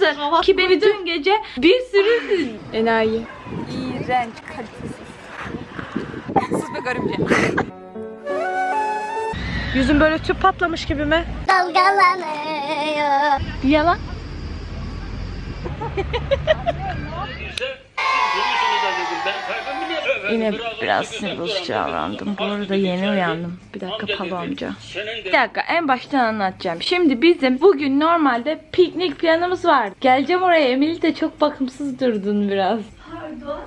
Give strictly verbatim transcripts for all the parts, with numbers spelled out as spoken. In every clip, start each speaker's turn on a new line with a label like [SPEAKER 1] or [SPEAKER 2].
[SPEAKER 1] nasıl? Ki beni dün gece bir sürü enayi.
[SPEAKER 2] İğrenç, kalitesiz. Sus be garipçe.
[SPEAKER 1] Yüzüm böyle tüp patlamış gibi mi?
[SPEAKER 3] Dalgalanıyor.
[SPEAKER 1] Yalan. Yine biraz sinir bozucu davrandım. Bu arada yeni uyandım. Bir dakika Palo amca. Bir dakika en baştan anlatacağım. Şimdi bizim bugün normalde piknik planımız var. Geleceğim oraya. Emily de çok bakımsız durdun biraz.
[SPEAKER 3] Pardon.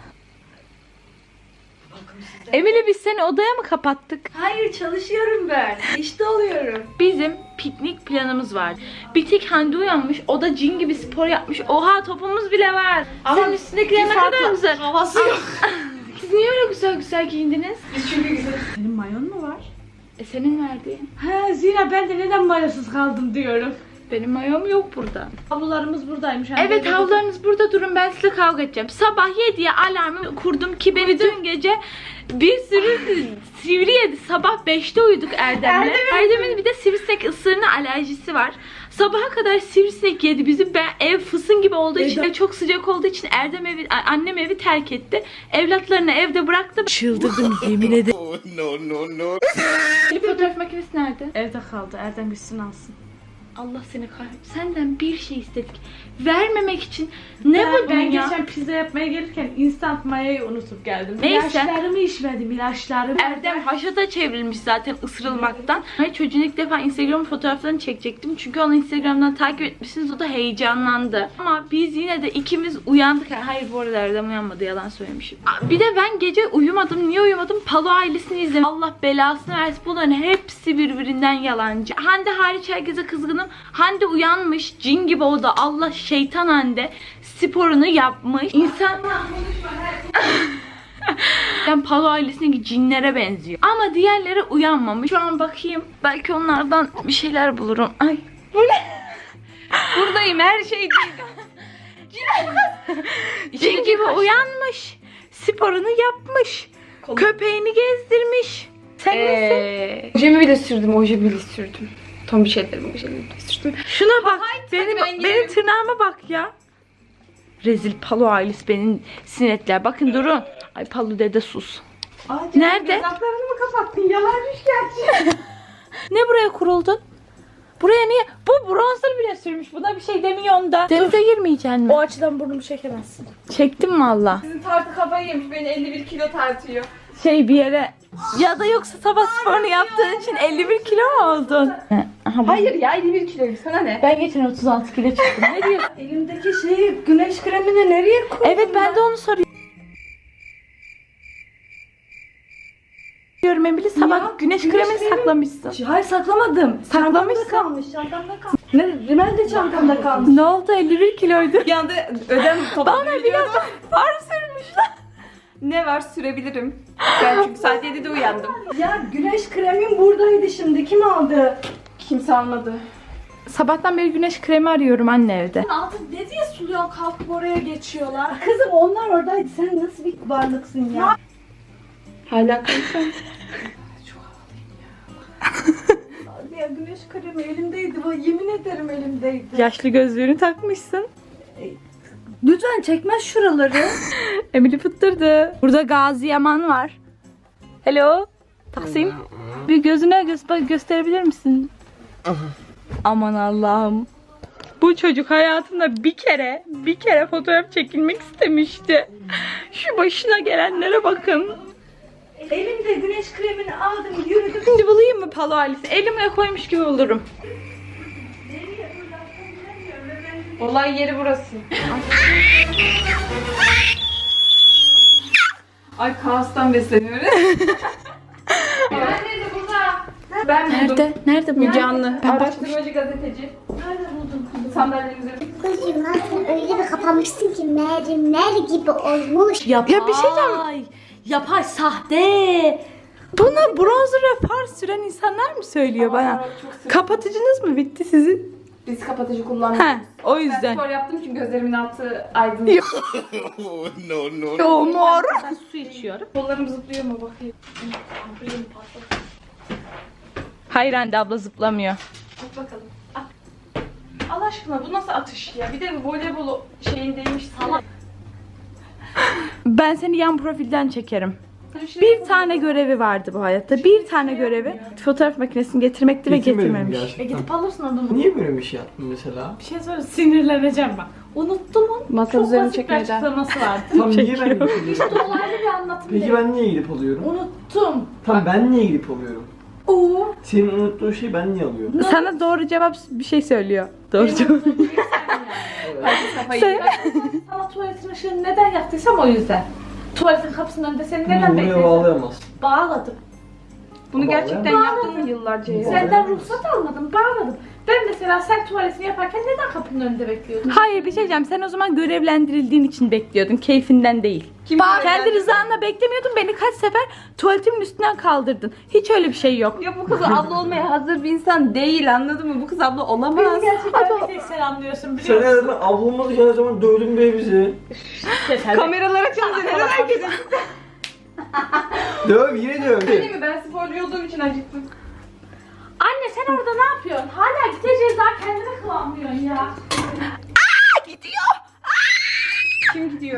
[SPEAKER 1] Emily biz seni odaya mı kapattık?
[SPEAKER 3] Hayır çalışıyorum ben. İşte oluyorum.
[SPEAKER 1] Bizim piknik planımız var. Bir tek Hande uyanmış. O da cin gibi spor yapmış. Oha topumuz bile var. Senin üstündekiler ne kadar güzel.
[SPEAKER 3] Havası yok.
[SPEAKER 1] Siz niye öyle güzel güzel giyindiniz?
[SPEAKER 3] Biz çünkü güzel. Senin mayon mu var?
[SPEAKER 1] E senin verdiğin.
[SPEAKER 3] He Zira ben de neden mayosuz kaldım diyorum.
[SPEAKER 1] Benim mayom yok burada.
[SPEAKER 3] Havlularımız buradaymış.
[SPEAKER 1] Evet havlularınız burada durun, ben size kavga edeceğim. Sabah yediye alarmı kurdum ki beni dün gece bir sürü sivri yedi. Sabah beşte uyuduk Erdem'le. Erdem'in bir de sivrisinek ısırığına alerjisi var. Sabaha kadar sivrisinek yedi bizi. Ben ev fısın gibi olduğu için ve çok sıcak olduğu için Erdem evi, annem evi terk etti. Evlatlarını evde bıraktı. Çıldırdım yemin ederim.
[SPEAKER 4] No, no, no.
[SPEAKER 1] Fotoğraf makinesi nerede?
[SPEAKER 3] Evde kaldı. Erdem gitsin alsın.
[SPEAKER 1] Allah seni kahretsin. Senden bir şey istedik. Vermemek için ne
[SPEAKER 3] Ben,
[SPEAKER 1] buldun
[SPEAKER 3] ben
[SPEAKER 1] ya?
[SPEAKER 3] geçen pizza yapmaya gelirken instant mayayı unutup geldim.
[SPEAKER 1] Neyse.
[SPEAKER 3] İlaçlarımı içmedim, ilaçlarımı.
[SPEAKER 1] Erdem haşata çevrilmiş zaten ısırılmaktan. Hayır çocuğun ilk defa Instagram fotoğraflarını çekecektim. Çünkü onu Instagram'dan takip etmişsiniz. O da heyecanlandı. Ama biz yine de ikimiz uyandık. Hayır bu arada Erdem uyanmadı. Yalan söylemişim. Bir de ben gece uyumadım. Niye uyumadım? Palo ailesini izledim. Allah belasını versin. Bunların hepsi birbirinden yalancı. Hande hariç herkese kızgınım. Hande uyanmış. Cin gibi o da. Allah şeytan Hande. Sporunu yapmış. İnsan... Ben Palo ailesindeki cinlere benziyor. Ama diğerleri uyanmamış. Şu an bakayım. Belki onlardan bir şeyler bulurum. Ay. Bu ne?
[SPEAKER 2] Buradayım, her şey değil.
[SPEAKER 1] Cin gibi uyanmış. Sporunu yapmış. Köpeğini gezdirmiş. Sen nesin?
[SPEAKER 2] Eee... Ojemi bile sürdüm, ojemi bile sürdüm. Tam bir şey derim, ojemi bile sürdüm.
[SPEAKER 1] Şuna bak. Benim,
[SPEAKER 2] ben
[SPEAKER 1] benim
[SPEAKER 2] giderim.
[SPEAKER 1] tırnağıma bak ya. Rezil Palo ailesi benim sinetler. Bakın durun. Ay Palo dede sus.
[SPEAKER 3] Ay,
[SPEAKER 1] Nerede?
[SPEAKER 3] Gözaltlarını mı kapattın? Yalanmış gerçi.
[SPEAKER 1] Ne buraya kuruldun? Buraya niye? Bu bronzer bile sürmüş. Buna bir şey demiyorsun da. Denize girmeyeceksin mi?
[SPEAKER 3] O açıdan burnumu çekemezsin.
[SPEAKER 1] Çektim valla.
[SPEAKER 2] Sizin tartı kafayı yemiş, beni elli bir kilo tartıyor.
[SPEAKER 1] Şey bir yere... Ya da yoksa sabah sporunu yaptığın için elli bir kilo mu oldun? Aha, bu-
[SPEAKER 2] Hayır ya, elli bir kiloyum, sana ne?
[SPEAKER 1] Ben geçen otuz altı kilo çıktım. Ne diyorsun?
[SPEAKER 3] Elimdeki şeyi güneş kremini nereye koydun?
[SPEAKER 1] Evet ben de onu soruyorum. Diyorum Emily sabah
[SPEAKER 3] Ya,
[SPEAKER 1] güneş,
[SPEAKER 3] güneş
[SPEAKER 1] kremini
[SPEAKER 3] kremi-
[SPEAKER 1] saklamışsın.
[SPEAKER 3] Hayır saklamadım.
[SPEAKER 1] Saklamışsın.
[SPEAKER 3] Çantamda kalmış, çantamda kalmış. Ne? Rimmel de çantamda kalmış.
[SPEAKER 1] Ne oldu elli bir kiloydu.
[SPEAKER 2] Bir anda ödem
[SPEAKER 1] Bana
[SPEAKER 2] toplanıyor.
[SPEAKER 1] biraz far sürmüşler.
[SPEAKER 2] Ne var, sürebilirim. Ben çünkü saat yedide uyandım.
[SPEAKER 3] Ya güneş kremin buradaydı şimdi. Kim aldı?
[SPEAKER 2] Kimse almadı.
[SPEAKER 1] Sabahtan beri güneş kremi arıyorum anne evde.
[SPEAKER 3] Altı ne diye suluyor kalkıp oraya geçiyorlar. Kızım onlar oradaydı. Sen nasıl bir varlıksın ya?
[SPEAKER 2] Hala konuşuyorum.
[SPEAKER 3] Ya güneş kremi elimdeydi. Bak, yemin ederim elimdeydi.
[SPEAKER 1] Yaşlı gözlüğünü takmışsın.
[SPEAKER 3] Lütfen çekmez şuraları.
[SPEAKER 1] Emily fıttırdı. Burada Gazi Yaman var. Hello. Taksim. Bir gözüne göz bak gösterebilir misin? Aman Allah'ım. Bu çocuk hayatında bir kere, bir kere fotoğraf çekilmek istemişti. Şu başına gelenlere bakın.
[SPEAKER 3] Elimde güneş kremini aldım yürüdüm.
[SPEAKER 1] Şimdi bulayım mı Palo ailesi? Elime koymuş gibi olurum.
[SPEAKER 2] Olay yeri burası. Ay kaostan besleniyoruz. Ben nerede burada? Ben buldum.
[SPEAKER 1] Nerede? Nerede bu?
[SPEAKER 2] Müge Anlı.
[SPEAKER 1] Ben bakmış.
[SPEAKER 2] Araştırmacı gazeteci. Nerede buldun? Sandalyemizi.
[SPEAKER 5] Kızım nasıl öyle bir kapamışsın ki mermer gibi olmuş.
[SPEAKER 3] Yapay.
[SPEAKER 1] Ya bir şey diyeceğim.
[SPEAKER 3] Yapay sahte.
[SPEAKER 1] Bunu bronzer ve far süren insanlar mı söylüyor bana?
[SPEAKER 2] Çok sık.
[SPEAKER 1] Kapatıcınız mı bitti sizin?
[SPEAKER 2] Biz kapatıcı kullanmıyoruz.
[SPEAKER 1] He, o
[SPEAKER 2] Ben
[SPEAKER 1] yüzden.
[SPEAKER 2] spor yaptığım için gözlerimin altı aydınlık.
[SPEAKER 4] No, no, no.
[SPEAKER 1] Yo mor.
[SPEAKER 3] Ben su içiyorum.
[SPEAKER 2] Kollarım zıplıyor mu bakayım.
[SPEAKER 1] Hayır anne abla zıplamıyor.
[SPEAKER 2] Bak bakalım.
[SPEAKER 1] Allah aşkına bu nasıl atış ya? Bir de voleybol şeyindeymiş salak. Ben seni yan profilden çekerim. Bir tane görevi vardı bu hayatta. Bir tane görevi fotoğraf makinesini getirmekti ve
[SPEAKER 6] Getirmedim
[SPEAKER 1] getirmemiş.
[SPEAKER 6] gerçekten.
[SPEAKER 1] E gidip alırsın adamı.
[SPEAKER 6] Niye böyle bir şey yaptın mesela?
[SPEAKER 1] Bir şey söyle, sinirleneceğim ben. Unuttum onu.
[SPEAKER 2] Masa
[SPEAKER 1] Çok
[SPEAKER 2] üzerine
[SPEAKER 1] basit bir
[SPEAKER 2] çekmeyeceğim.
[SPEAKER 1] açıklaması vardı.
[SPEAKER 6] Tam niye ben gidip alıyorum?
[SPEAKER 1] İşte dolaylı bir anlatım
[SPEAKER 6] Peki
[SPEAKER 1] değil.
[SPEAKER 6] ben niye gidip alıyorum?
[SPEAKER 1] Unuttum.
[SPEAKER 6] Tam ben niye gidip alıyorum?
[SPEAKER 1] Oo.
[SPEAKER 6] Senin unuttuğun şeyi ben niye alıyorum?
[SPEAKER 1] Sana doğru cevap bir şey söylüyor. Doğru cevap. Sen... Sana tuvaletin ışığını neden yaktıysam o yüzden. Tuvaletin kapısının önünde seni neden
[SPEAKER 6] Bunu buraya
[SPEAKER 1] bekledin?
[SPEAKER 6] bağlayamaz.
[SPEAKER 1] Bağladım.
[SPEAKER 2] Bunu gerçekten
[SPEAKER 6] Bağlayamaz.
[SPEAKER 2] yaptın mı yıllarca ya?
[SPEAKER 1] Senden ruhsat almadım, bağladım. Ben mesela sen tuvaletini yaparken neden kapının önünde bekliyordun? Hayır bir şey diyeceğim. Sen o zaman görevlendirildiğin için bekliyordun. Keyfinden değil.
[SPEAKER 2] Kim
[SPEAKER 1] Kendi
[SPEAKER 2] görevlendirdi?
[SPEAKER 1] rızanla beklemiyordun. Beni kaç sefer tuvaletimin üstünden kaldırdın. Hiç öyle bir şey yok.
[SPEAKER 2] Ya bu kız abla olmaya hazır bir insan değil, anladın mı? Bu kız abla olamaz.
[SPEAKER 1] Gerçekten bir tek sen anlıyorsun
[SPEAKER 6] Sen
[SPEAKER 1] biliyor musun?
[SPEAKER 6] her zaman ablamızı her zaman dövdün be bizi.
[SPEAKER 2] Kameralar açıldı, neden herkesin?
[SPEAKER 6] Döv yine döv.
[SPEAKER 2] Değil mi? Ben sporcu olduğum için acıktım.
[SPEAKER 1] Anne sen orada ne yapıyorsun? Hala gideceğiz daha kendine kıvamlıyorsun ya. Aa gidiyor.
[SPEAKER 2] Kim gidiyor?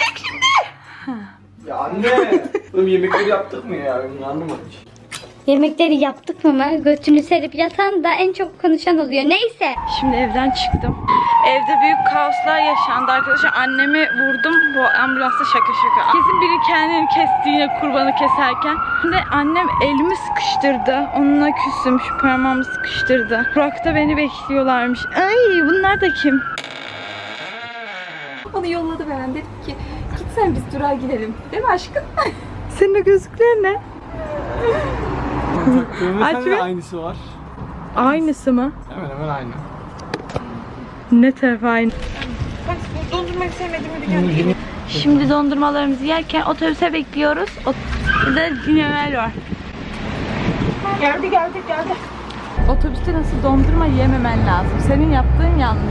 [SPEAKER 6] Ya anne. Oğlum yemekleri yaptık mı ya? Ben anlamadım hiç.
[SPEAKER 5] Yemekleri yaptık mı? Götünü serip yatan da en çok konuşan oluyor. Neyse.
[SPEAKER 1] Şimdi evden çıktım. Evde büyük kaoslar yaşandı arkadaşlar. Annemi vurdum. Bu ambulansta şaka şaka. Kesin biri kendini kesti yine kurbanı keserken. Şimdi annem elimi sıkıştırdı. Onunla küsüm. Şu parmağımı sıkıştırdı. Burak'ta beni bekliyorlarmış. Ay bunlar da kim?
[SPEAKER 2] Onu yolladı ben. Dedim ki gitsen biz durağa gidelim. Değil mi aşkım?
[SPEAKER 1] Senin o gözlükler ne?
[SPEAKER 6] Taktığımda
[SPEAKER 1] Aç
[SPEAKER 6] sende
[SPEAKER 1] be.
[SPEAKER 6] aynısı var.
[SPEAKER 1] Aynısı mı?
[SPEAKER 6] Hemen hemen aynı.
[SPEAKER 1] Ne taraf aynı?
[SPEAKER 2] Bak bu dondurmayı sevmediğimi biliyorum.
[SPEAKER 1] Şimdi dondurmalarımızı yerken otobüse bekliyoruz. Ot Burada Cinevel var.
[SPEAKER 2] Geldi geldi geldi.
[SPEAKER 1] Otobüste nasıl dondurma yememen lazım. Senin yaptığın yanlış.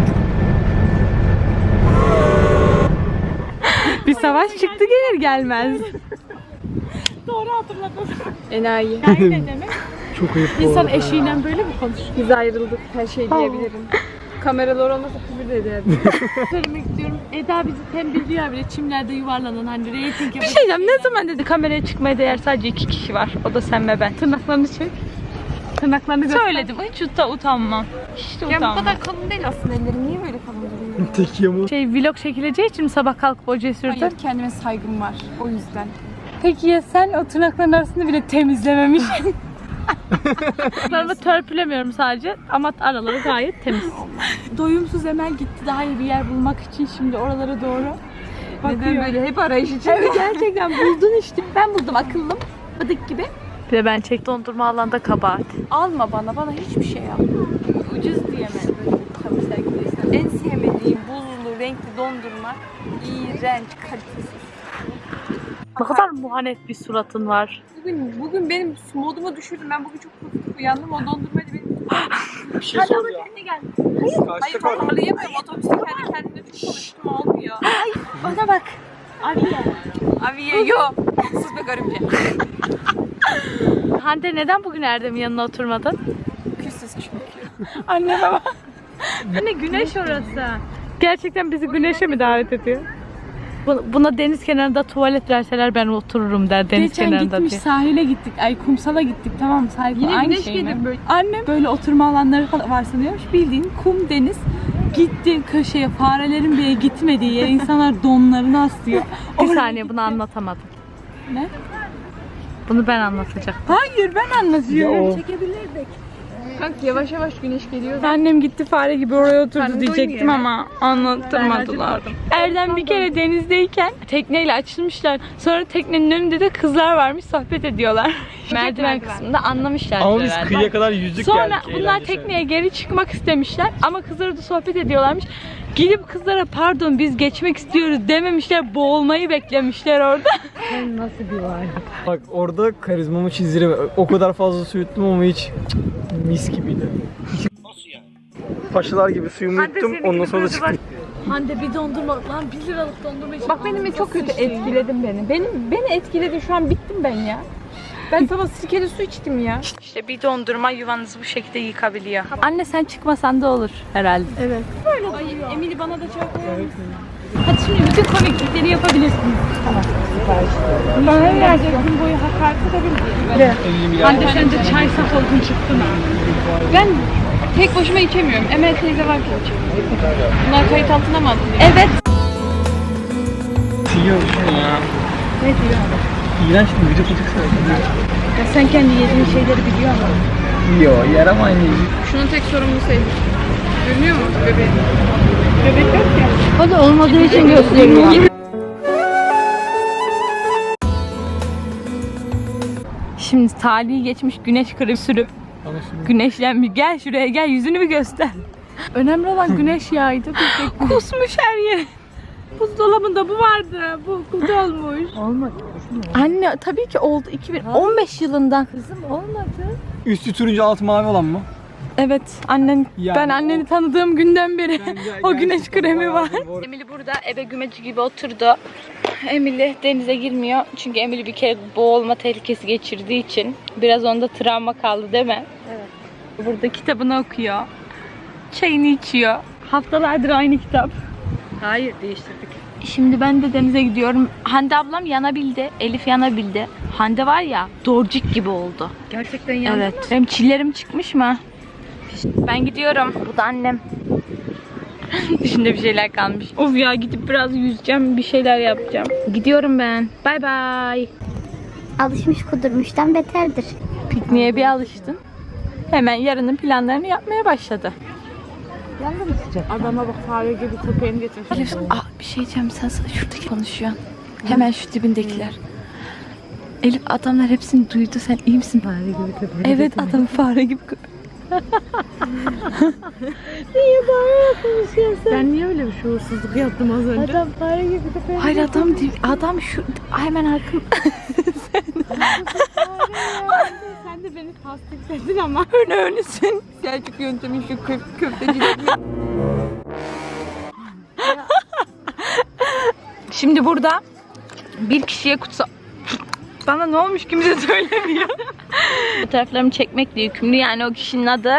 [SPEAKER 1] Bir savaş çıktı gelir gelmez. Doğru hatırladın.
[SPEAKER 2] Enayi.
[SPEAKER 1] Yani ne demek?
[SPEAKER 6] Çok ayıp bu
[SPEAKER 1] İnsan
[SPEAKER 6] arada ya.
[SPEAKER 1] eşiğiyle böyle mi konuşur?
[SPEAKER 2] Biz ayrıldık, her şey diyebilirim. Kameralar olmasa küfür de ederdim.
[SPEAKER 1] Söylemek istiyorum. Eda bizi tembihliyor bile çimlerde yuvarlanan hani reyting yapıyor. Bir şey diyeceğim. Ne zaman dedi kameraya çıkmaya değer sadece iki kişi var. O da sen ve ben. Tırnaklarını çek. Tırnaklarını göster. Söyledim. Hiç uta utanmam. Hiç de
[SPEAKER 2] Ya bu
[SPEAKER 1] utanmam.
[SPEAKER 2] kadar kalın değil aslında ellerim. Niye böyle kalın duruyor?
[SPEAKER 6] Tek yamuk.
[SPEAKER 1] Şey vlog çekileceği için mi sabah kalkıp hocaya sürdün?
[SPEAKER 2] Hayır, kendime saygım var. O yüzden.
[SPEAKER 1] Peki ya sen o tırnakların arasını bile temizlememiş. Tırnaklarımı törpülemiyorum sadece ama araları gayet temiz. Doyumsuz Emel gitti daha iyi bir yer bulmak için şimdi oralara doğru bakıyor.
[SPEAKER 2] Neden böyle hep arayış içinde?
[SPEAKER 1] Evet gerçekten buldun işte. Ben buldum akıllım. Bıdık gibi. Bir de ben çek dondurma alanda kabahat.
[SPEAKER 2] Alma bana, bana hiçbir şey alma.
[SPEAKER 1] Ucuz diyemem.
[SPEAKER 2] Tabii sevgiliysen. En sevmediğim buzlu, renkli dondurma. İğrenç, kalitesiz.
[SPEAKER 1] Ne kadar muhanet bir suratın var.
[SPEAKER 2] Bugün, bugün benim modumu düşürdüm. Ben bugün çok pozitif uyandım. O dondurmaydı benim.
[SPEAKER 6] Bir şey soracağım.
[SPEAKER 2] Kendine gel.
[SPEAKER 6] Kaçta
[SPEAKER 2] Hayır,
[SPEAKER 6] kaldın?
[SPEAKER 2] toparlayamıyorum. Otobüste kendi kendime çok konuştum. Olmuyor.
[SPEAKER 1] Bana bak. Abiye.
[SPEAKER 2] Abiye yok. Sus be garipçe.
[SPEAKER 1] Hande neden bugün Erdem'in yanına oturmadın?
[SPEAKER 2] Küssüz çünkü.
[SPEAKER 1] Anne baba. Anne güneş orası. Gerçekten bizi güneşe mi davet ediyor? Bu- Buna deniz kenarında tuvalet verseler ben otururum der deniz
[SPEAKER 7] Geçen
[SPEAKER 1] kenarında
[SPEAKER 7] gitmiş
[SPEAKER 1] diye.
[SPEAKER 7] sahile gittik. Ay kumsala gittik tamam mı? Sahil
[SPEAKER 2] Yine
[SPEAKER 7] aynı
[SPEAKER 2] güneş
[SPEAKER 7] şey mi?
[SPEAKER 2] gelir böyle.
[SPEAKER 7] Annem böyle oturma alanları falan var sanıyormuş. Bildiğin kum deniz. Gitti köşeye farelerin bile gitmediği yere insanlar donlarını aslıyor.
[SPEAKER 1] Bir
[SPEAKER 7] Oraya
[SPEAKER 1] saniye bunu
[SPEAKER 7] gitti.
[SPEAKER 1] anlatamadım.
[SPEAKER 7] Ne?
[SPEAKER 1] Bunu ben anlatacağım.
[SPEAKER 7] Hayır ben anlatıyorum.
[SPEAKER 6] Ya o-
[SPEAKER 7] Çekebilirdik.
[SPEAKER 2] Kanka yavaş yavaş güneş geliyor.
[SPEAKER 1] Annem gitti fare gibi oraya oturdu
[SPEAKER 2] Karnı
[SPEAKER 1] diyecektim
[SPEAKER 2] doymuyor.
[SPEAKER 1] ama anlattırmadılar. Erdem bir kere denizdeyken tekneyle açılmışlar. Sonra teknenin önünde de kızlar varmış sohbet ediyorlar. Merdiven kısmında anlamışlar.
[SPEAKER 6] Ama biz
[SPEAKER 1] herhalde.
[SPEAKER 6] kıyıya kadar yüzdük
[SPEAKER 1] Sonra
[SPEAKER 6] geldik.
[SPEAKER 1] bunlar
[SPEAKER 6] eğlence
[SPEAKER 1] tekneye geri çıkmak istemişler ama kızlar da sohbet ediyorlarmış. Gidip kızlara pardon biz geçmek istiyoruz dememişler, boğulmayı beklemişler orada.
[SPEAKER 6] Bak orada karizmamı çizdiremem. O kadar fazla su yuttum ama hiç cık, mis gibiydi. Nasıl yani? Paşalar gibi suyumu yuttum ondan sonra da çıktım.
[SPEAKER 1] Hande bir dondurma lan bir liralık dondurma için.
[SPEAKER 2] Bak benim çok kötü etkiledin beni. Benim beni etkiledi. Şu an bittim ben ya.
[SPEAKER 7] Ben sana sirkeli su içtim ya.
[SPEAKER 1] İşte bir dondurma yuvanızı bu şekilde yıkabiliyor. Anne sen çıkmasan da olur herhalde.
[SPEAKER 7] Evet. Böyle Ay, Emily bana da çay koyar mısın? Hadi şimdi bütün komiklikleri yapabilirsiniz. Tamam. Bana gelecek gün boyu hakaret edebilirim. Hande sen de çay saf oldun çıktın ha. Ben tek başıma içemiyorum. Emel teyze varken içiyorum. Bunlar kayıt altına mı aldın?
[SPEAKER 1] Evet.
[SPEAKER 6] Yiyor şunu ya.
[SPEAKER 7] Ne diyor?
[SPEAKER 6] İğrenç bir vücut acıksa.
[SPEAKER 7] Ya sen kendi yediğin şeyleri biliyor musun?
[SPEAKER 6] Yiyor, yer ama aynı yiyor.
[SPEAKER 7] Şunun tek sorumlusu Elif. Görünüyor mu bebeğin? Bebek yok ya.
[SPEAKER 1] O da olmadığı için gösteriyor. Şimdi tarihi geçmiş güneş kremi sürüp güneşlenmiş. Gel şuraya gel, yüzünü bir göster.
[SPEAKER 7] Önemli olan güneş yağıydı.
[SPEAKER 1] Kusmuş her yere.
[SPEAKER 7] Buzdolabında bu vardı. Bu kutu olmuş.
[SPEAKER 1] Olmadı. Anne tabii ki oldu. iki bin on beş yılından.
[SPEAKER 7] Kızım olmadı.
[SPEAKER 6] Üstü turuncu altı mavi olan mı?
[SPEAKER 1] Evet, annen
[SPEAKER 6] Yani
[SPEAKER 1] ben anneni tanıdığım günden beri o güneş kremi var.
[SPEAKER 6] Doğru.
[SPEAKER 1] Emily burada ebe gümeci gibi oturdu. Emily denize girmiyor çünkü Emily bir kere boğulma tehlikesi geçirdiği için biraz onda travma kaldı değil mi? Evet. Burada kitabını okuyor. Çayını içiyor. Haftalardır aynı kitap.
[SPEAKER 7] Hayır değiştirdik.
[SPEAKER 1] Şimdi ben de denize gidiyorum. Hande ablam yanabildi. Elif yanabildi. Hande var ya dorcik gibi oldu.
[SPEAKER 7] Gerçekten yandı
[SPEAKER 1] Evet.
[SPEAKER 7] mı?
[SPEAKER 1] Benim çillerim çıkmış mı? Ben gidiyorum. Bu da annem. Dışında bir şeyler kalmış. Of ya gidip biraz yüzeceğim. Bir şeyler yapacağım. Gidiyorum ben. Bay bay.
[SPEAKER 5] Alışmış kudurmuştan beterdir.
[SPEAKER 1] Pikniğe bir alıştın. Hemen yarının planlarını yapmaya başladı.
[SPEAKER 7] Adama bak fare gibi köpeğini getirmiş.
[SPEAKER 1] Elif, ah, bir şey diyeceğim. Sen sana şuradaki konuşuyorsun. Hemen şu dibindekiler. Elif adamlar hepsini duydu. Sen iyi misin? Fare gibi köpek. Evet adam fare gibi köpek. Niye fare yapmışsın sen?
[SPEAKER 7] Ben niye öyle bir şuursuzluk yaptım az önce?
[SPEAKER 1] Adam fare gibi köpek. Hayır adam değil. Adam şu hemen arkam.
[SPEAKER 7] Sen de beni tasdikledin ama.
[SPEAKER 1] Öne önüsün. Selçuk yöntemin şu köf köftecilik. Şimdi burada bir kişiye kutsal... Bana ne olmuş kimse söylemiyor. Fotoğraflarımı çekmekle yükümlü yani o kişinin adı.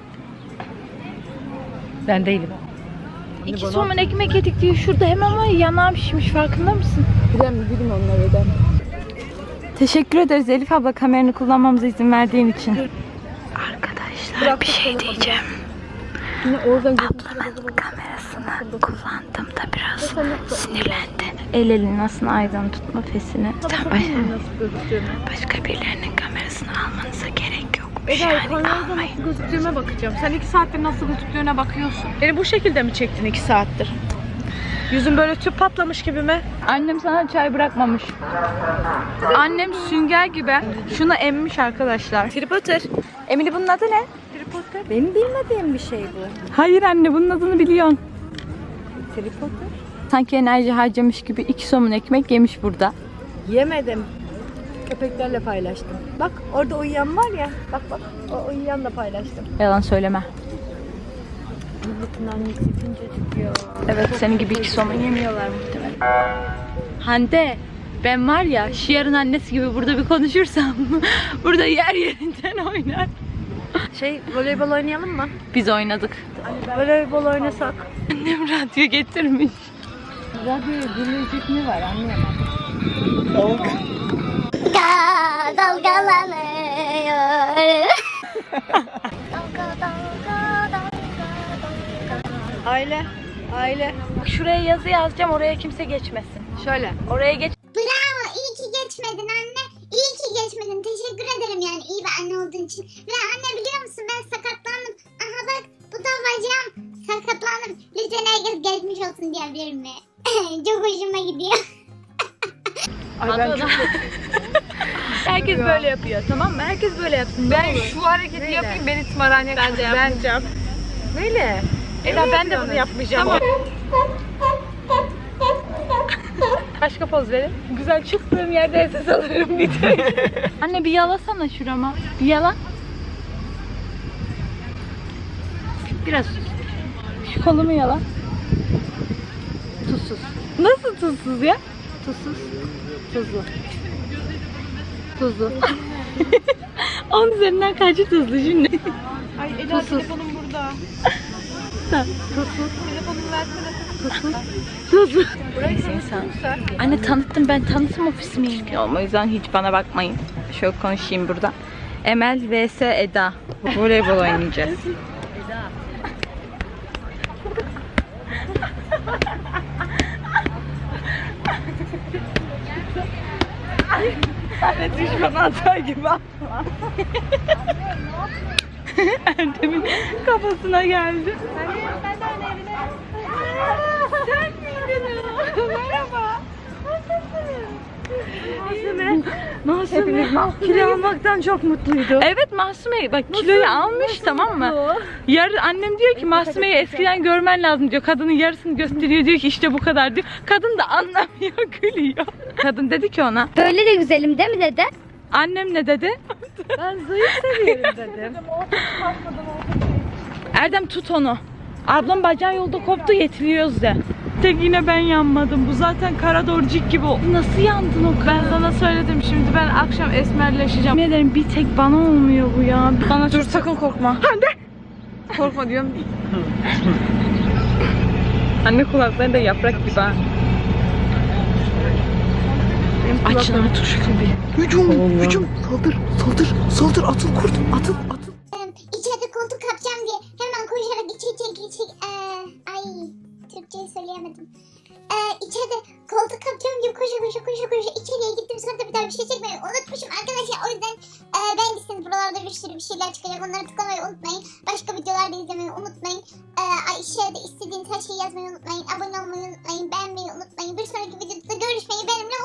[SPEAKER 7] Ben değilim.
[SPEAKER 1] İki somun ekmek yedik diye şurada hemen var ya, yanağım şişmiş, farkında mısın?
[SPEAKER 7] Bilem bilin onları öden.
[SPEAKER 1] Teşekkür ederiz Elif abla kameranı kullanmamıza izin verdiğin için. Arkadaşlar bir şey diyeceğim.
[SPEAKER 7] Yine oradan
[SPEAKER 1] Ablanın kamerasını kullandım da biraz sinirlendi. El elini nasıl aydan tutma fesini. Sen baş, başka birilerinin kamerasını almanıza gerek yokmuş
[SPEAKER 7] Eda
[SPEAKER 1] yani
[SPEAKER 7] kamerada
[SPEAKER 1] almayın.
[SPEAKER 7] nasıl gözüktüğüme bakacağım. Sen iki saattir nasıl gözüktüğüne bakıyorsun. Beni bu şekilde mi çektin iki saattir? Yüzün böyle tüp patlamış gibi mi?
[SPEAKER 1] Annem sana çay bırakmamış. Annem sünger gibi şunu emmiş arkadaşlar.
[SPEAKER 7] Harry Potter.
[SPEAKER 1] Emily bunun adı ne?
[SPEAKER 7] Harry Potter.
[SPEAKER 3] Benim bilmediğim bir şey bu.
[SPEAKER 1] Hayır anne bunun adını biliyorsun.
[SPEAKER 3] Harry Potter.
[SPEAKER 1] Sanki enerji harcamış gibi iki somun ekmek yemiş burada.
[SPEAKER 3] Yemedim. Köpeklerle paylaştım. Bak orada uyuyan var ya. Bak bak o uyuyanla paylaştım.
[SPEAKER 1] Yalan söyleme.
[SPEAKER 3] Milletin annesi küncecik ya.
[SPEAKER 1] Evet senin gibi iki somun yemiyorlar muhtemelen. Hande ben var ya Şiar'ın annesi gibi burada bir konuşursam burada yer yerinden oynar.
[SPEAKER 3] Şey voleybol oynayalım mı?
[SPEAKER 1] Biz oynadık.
[SPEAKER 3] Voleybol oynasak.
[SPEAKER 1] Annem radyo getirmiş.
[SPEAKER 3] Radyoya dinleyecek mi var anlayamadım.
[SPEAKER 5] Dalga dalgalanıyor. Dalga dalga dalga dalga.
[SPEAKER 3] Aile. Aile.
[SPEAKER 1] Şuraya yazı yazacağım oraya kimse geçmesin.
[SPEAKER 3] Şöyle.
[SPEAKER 1] Oraya geç.
[SPEAKER 5] Bravo, iyi ki geçmedin anne. İyi ki geçmedin. Teşekkür ederim yani iyi bir anne olduğun için. Ve anne biliyor musun ben sakatlandım. Aha bak bu da bacağım. Sakatlandım. Lütfen herkes geçmiş olsun diyebilir mi? Çok hoşuma gidiyor.
[SPEAKER 7] Ay ben çok
[SPEAKER 1] Herkes böyle yapıyor tamam mı? Herkes böyle yapsın.
[SPEAKER 7] Ben şu hareketi yapayım beni tımarhaneye Ben de yapmayacağım. Neyle? Eda ben de bunu yapmayacağım. Tamam. Başka poz verin. Güzel çıktığım yerde ses alırım bir de.
[SPEAKER 1] Anne bir yalasana şurama. Bir yala. Biraz şu kolumu yala. Tuzsuz. Nasıl tuzsuz ya? Tuzsuz. Tuzlu. Tuzlu. On üzerinden kaçı tuzlu şimdi?
[SPEAKER 7] Ay Ela telefonum burada. Telefonumu versene.
[SPEAKER 1] Tuzlu. Anne tanıttım, ben tanıtım ofisi miyim? O yüzden hiç bana bakmayın. Şöyle konuşayım burada. Emel vs Eda. Voleybol oynayacağız. Anne düşman atar gibi atma. Erdem'in kafasına geldi. Sen miydin o? Merhaba. Mahsume. Hepimiz kilo almaktan çok mutluydu. Evet Mahsume bak kiloyu almış tamam mı? Yar annem diyor ki Mahsume'yi eskiden görmen lazım diyor. Kadının yarısını gösteriyor diyor ki işte bu kadar diyor. Kadın da anlamıyor gülüyor. Kadın dedi ki ona.
[SPEAKER 3] Böyle de güzelim değil mi dede?
[SPEAKER 1] Annem ne dedi?
[SPEAKER 3] Ben zayıf seviyorum dedim.
[SPEAKER 1] Erdem tut onu. Ablam bacağı yolda koptu getiriyoruz de. Tek yine ben yanmadım. Bu zaten Karadorcik gibi. Nasıl yandın o kadar? Ben sana söyledim şimdi ben akşam esmerleşeceğim. Ne derim bir tek bana olmuyor bu ya. Bana dur sakın korkma. Hande. Korkma diyorum. Anne kulakları da yaprak gibi ha. Açın artık şu kapıyı. Hücum, hücum. Saldır, saldır, saldır. Atıl kurt, atıl, atıl.
[SPEAKER 5] İçeride koltuk kapacağım diye hemen koşarak içeri geçecek. Ee, ay Türkçeyi söyleyemedim. Ee, içeride koltuk kapacağım diye koşa koşa koşa koşa içeriye gittim. Sonra da bir daha bir şey çekmeyi unutmuşum arkadaşlar. O yüzden e, beğendiyseniz buralarda bir sürü bir şeyler çıkacak. Onları tıklamayı unutmayın. Başka videolarda izlemeyi unutmayın. Ee, aşağıda istediğiniz her şeyi yazmayı unutmayın. Abone olmayı unutmayın. Beğenmeyi unutmayın. Bir sonraki videoda görüşmeyi benimle